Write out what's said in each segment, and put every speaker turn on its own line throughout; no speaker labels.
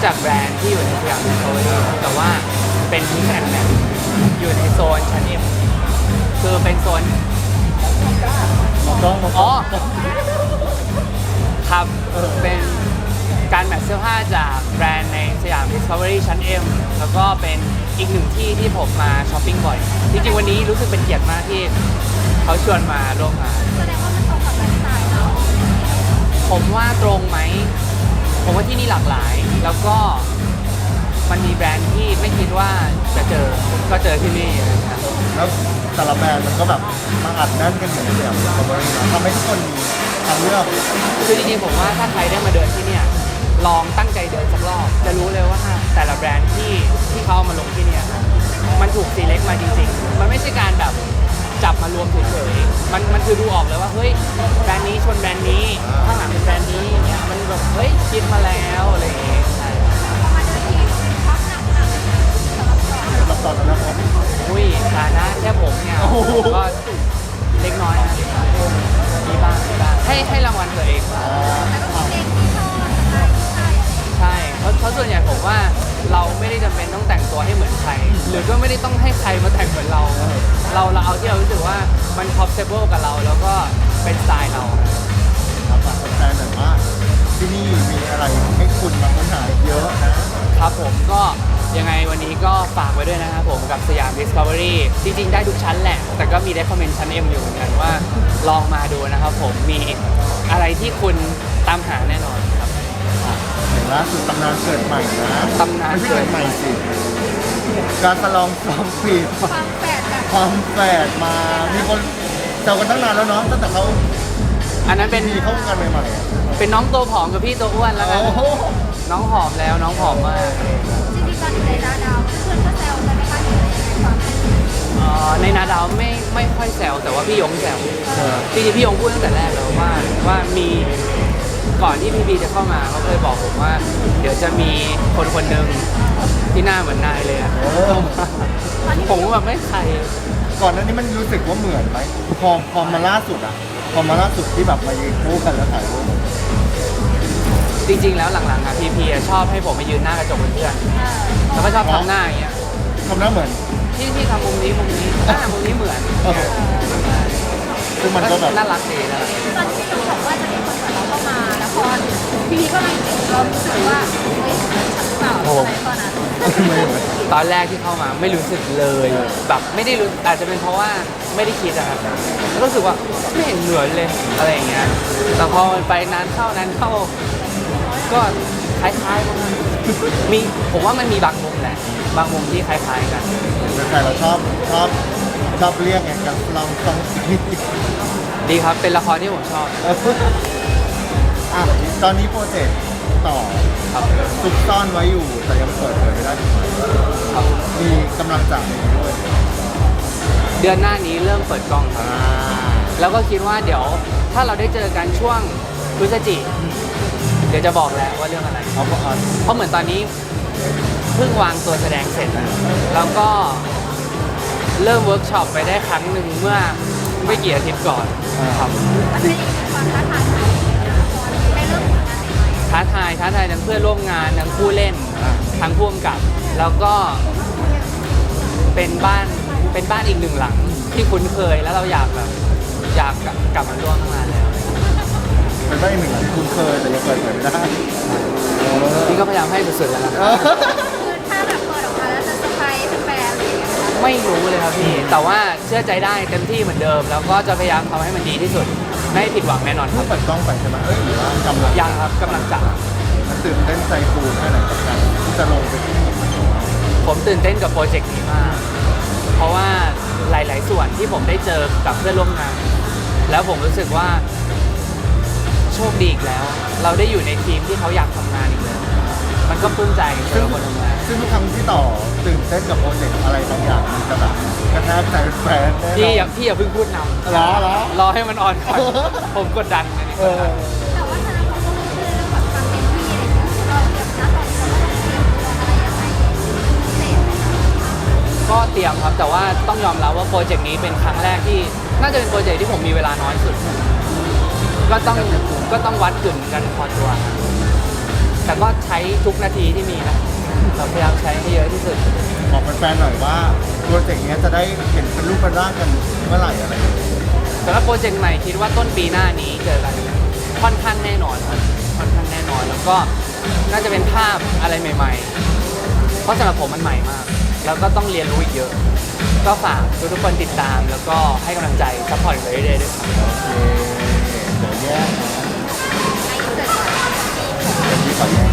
จากแบรนด์ที่อยู่ในสยามดิสคัฟเวอรี่แต่ว่าเป็นมิกซ์แอนด์แมทอยู่ในโซนชั้น M คือเป็นโซน
ต้อง
อ๋อครับเป็นการแมทเสื้อผ้าจากแบรนด์ในสยาม Discovery ชั้น M แล้วก็เป็นอีกหนึ่งที่ที่ผมมาช้อปปิ้งบ่อย จริงๆวันนี้รู้สึกเป็นเกียรติมากที่เขาชวนมาร่วมงาน
แสดงว่ามันตรงกับไลฟ์สไตล์เรา
ผมว่าตรงไหม ผมว่าที่นี่หลากหลาย แล้วก็มันมีแบรนด์ที่ไม่คิดว่าจะเจอก็เจอที่นี่อะไรอย่างเงี้ย
แล้วแต่ละแบรนด์มันก็แบบมาอัดแน่นกันอยู่ในสยามดิสคัฟเวอรี่นะทำให้ทุกคนมีทางเลือก
คือจริงๆผมว่าถ้าใครได้มาเดินที่เนี่ยลองตั้งใจเดินสักรอบจะรู้เลยว่าแต่ละแบรนด์ที่เขาเอามาลงที่เนี่ยมันถูกซีเล็กมาจริงๆมันไม่ใช่การแบบจับมารวมเฉยๆมันคือดูออกเลยว่าเฮ้ยแบรนด์นี้ชนแบรนด์นี้ข้างหลังเป็นแบรนด์นี้อย่างเงี้ยมันแบบเฮ้ยคิดมาแล้วอะไรอย่างเงี้ยใช่
มาเดินทีพักหนักสำหรับก่อน
แล้วตอนนั้นผม
อุ้ยฐานะแค่ผมเนี่ย
โอ้โห
ก็เล็กน้อยนะมีบ้างให้รางวัลตัวเองบ้าง
แล้วก็มีเพลงที่ชอบใช่ใช่
ใช่เพราะส่วนใหญ่ผมว่าเราไม่ได้จำเป็นต้องแต่งตัวให้เหมือนใคร หรือก็ไม่ได้ต้องให้ใครมาแต่งเหมือนเรา เราเอาที่เรารู้สึกว่ามัน comfortable กับเราแล้วก็เป็นสไตล์เรา
ครับฝากแฟนๆหน่อยว่าที่นี่มีอะไรให้คุณมาค้นหาเยอะนะครับ
ผมก็ยังไงวันนี้ก็ฝากไว้ด้วยนะครับผมกับสยาม Discovery จริงๆได้ทุกชั้นแหละ แต่ก็มี recommend ชั้น M อยู่เหมือนกันว่าลองมาดูนะครับผมมีอะไรที่คุณตามหาแน่นอนครับ
เห็นล่าสุดตำนานเกิดใหม่นะ
ตำนาน
ไม่ใช่
เกิ
เกิ
ด
ดใหม่สิการสลองสองปี
ความแปลกแบบ
ความแฝดมามีคนแซวกันตั้งนานแล้วเนาะตั้งแต่เขา
อันนั้นเป็น
มีเข้าวงการใหม่ๆอะ
เป็นน้องตัวผอมกับพี่ตัวอ้วนแล้วกัน
โอ้โห
น้องผอมแล้วน้องผอมมาก
จริงๆตอนอยู่ในดาดาวเพื่อนก็แซวกันนะคะอยู่ในความ
ในนาดาวไม่ค่อยแซวแต่ว่าพี่ยงแซว
เออ
จริงๆพี่ยงพูดตั้งแต่แรกแล้วว่ามีก่อนที่พี่บีจะเข้ามาเขาเคยบอกผมว่า เดี๋ยวจะมีคนคนหนึ่งที่หน้าเหมือนนายเลยอะ
เออ
ผมก็แบบไม่ใคร
ก่อนหน้านี้มันรู้สึกว่าเหมือนไหมพอมาล่าสุดอะพอมาล่าสุดที่แบบมายืนคู่กันแล้วถ่ายรูป
จริง ๆ แล้วหลังๆอะพีชอบให้ผมไปยืนหน้ากระจกเป็นเพื่อนแล้วก็ชอบทำหน้าอย่างเงี้ย
ทำหน้าเหมือน
ที่ทำมุมนี้มุมนี้เหมือน
เออ ซึ่งมันก็แบบ
น่ารักดีนะ
ตอนที่เราบอกว่าจะมีคนเหมือนเราเข้ามาแล้วพอพี่ก็เลยเรารู้สึกว่าเฮ้ยฉันหรือเปล่าอะไรตอนนั้น
ไม่เหมือน
ตอนแรกที่เข้ามาไม่รู้สึกเลยแบบไม่ได้รู้อาจจะเป็นเพราะว่าไม่ได้คิดอะครับรู้สึกว่าไม่เห็นเหมือนเลยอะไรอย่างเงี้ยแต่พอมันไปนานเข้าก็คล้ายๆกันมีผมว่ามันมีบางมุมแหละบางมุมที่คล้ายๆกัน
แต่เราชอบเรียกไงกันลองสองสี
ดีครับเป็นละครที่ผมชอบ
อ่ะตอนนี้โปรเจกต์ต่อ
ครับ
ซุกซ่อนไว้อยู่แต่ยังเปิดเผยไม่ได้ถูกไหม
ครับ
มีกำลังจะมีด้วย
เดือนหน้านี้เริ่มเปิดกล้องครับ แล้วก็คิดว่าเดี๋ยวถ้าเราได้เจอกันช่วงพฤศจิกเดี๋ยวจะบอกแล้วว่าเรื่องอะไร
เอาก็อ่าน
เพราะเหมือนตอนนี้เพิ่งวางตัวแสดงเสร็จนะแล้วก็เริ่มเวิร์กช็อปไปได้ครั้งหนึ่งเมื่อไม่กี่อาทิตย์ก่อนครับ
มันเป็นอีกความท้าทายใหม่นะพอได้เริ่มทำงานใหม่
ท้าทายทั้งเพื่อนร่วมงานทั้งผู้เล่นทั้งผู้กำกับ แล้วก็เป็นบ้านอีกหนึ่งหลังที่คุ้นเคยแล้วเราอยากกลับมาร่วมตั้งนานแล้ว
มันได้หนึ่งหลังคุ้นเคยแต่ยังเปิดเผยไม่ได้
นี่ก็พยายามให้สุดๆแล้วนะ
คือถ้าแบบเปิดออกมาแล้วจะเซอร์ไพรส์แฟนๆอะไรอย่างเงี้ยนะคะ
ไม่รู้เลยครับพี่ แต่ว่าเชื่อใจได้เต็มที่เหมือนเดิม แล้วก็จะพยายามทำให้มันดีที่สุด ไม่ให้ผิดหวังแน่นอนค
เพิ่
รั
ง
บ
เปิดกล้องไปใช่ไหมเอ้ยหรือว่ากำลัง
ยังครับกำลังจะ
มันตื่นเต้นใจฟูแค่ไหนกับการที่จะลงไปที่นี่
ผมตื่นเต้นกับโปรเจกต์นี้มาก เพราะว่าหลาย ๆ ส่วนที่ผมได้เจอกับเพื่อนร่วมงาน แล้วผมรู้สึกว่าโชคดีอีกแล้ว เราได้อยู่ในทีมที่เขาอยากทำงานอีกแล้วมันก็ปลื้มใจสำหรับคนทำงาน
ซึ่งทุกครั้งที่ต่อตื่นเต้นกับโปรเจกต์อะไรบางอย่างมันจะแบบกระแทกใจแฟนแน่นอน
พี่อย่าเพิ่งพูดนำ
เหรอ
รอให้มันออนก่อน ผมกดดันอันนี้
เอก
ดดั
อ
น
แต่ว่าทางเขาก็รู้เรื่องแบบความเต็มที่อะไรอย่างเงี้ยเราเดี๋ยวนะตอนนี้เราต้องเตรียมตัวอะไรยังไงพิเศษไหมคะ
ก็เตรียมครับ แต่ว่าต้องยอมรับว่าโปรเจกต์นี้เป็นครั้งแรกที่น่าจะเป็นโปรเจกต์ที่ผมมีเวลาน้อยสุด ก็ต้องวัดกึ่นกันพอตัวแต่ก็ใช้ทุกนาทีที่มีนะเราพยายามใช้ให้เยอะที่สุด
บอกแฟนๆหน่อยว่าโปรเจกต์เนี้ยจะได้เห็นเป็นรูปเป็นร่างกันเมื่อไหร่อะไรอย่างเงี้ย
สำหรับโปรเจกต์ใหม่คิดว่าต้นปีหน้านี้เจอกันค่อนข้างแน่นอนครับค่อนข้างแน่นอนแล้วก็น่าจะเป็นภาพอะไรใหม่ๆ เพราะสำหรับผมมันใหม่มาก แล้วก็ต้องเรียนรู้อีกเยอะ ก็ฝากทุกๆคนติดตาม แล้วก็ให้กำลังใจซัพพอร์ตไปเรื่อยๆด้วยครับ
โอเคเดี๋ยวแยกนะ
ไอ้เกิดก่อน
เดี๋ยวพี่ขอแยก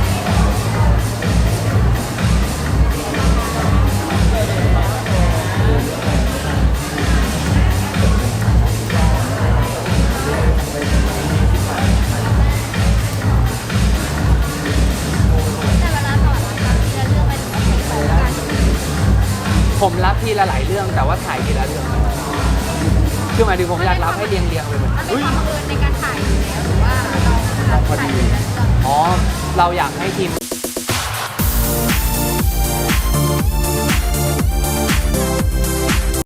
แต่เวลาต่อเราทีละเรื่องไปถึงว่าเป็นโครงการ
ผมรับทีละหลายเรื่องแต่ว่าถ่ายทีละเรื่อง คือหมายถึงผมอยากรับให้เรียงๆไปหมด
มันเป็นความบังเอิญในการถ่ายอยู่แล้วหรือว่าเราถ่ายอยู่แล้ว
อ๋อ เราอยากให้ทีม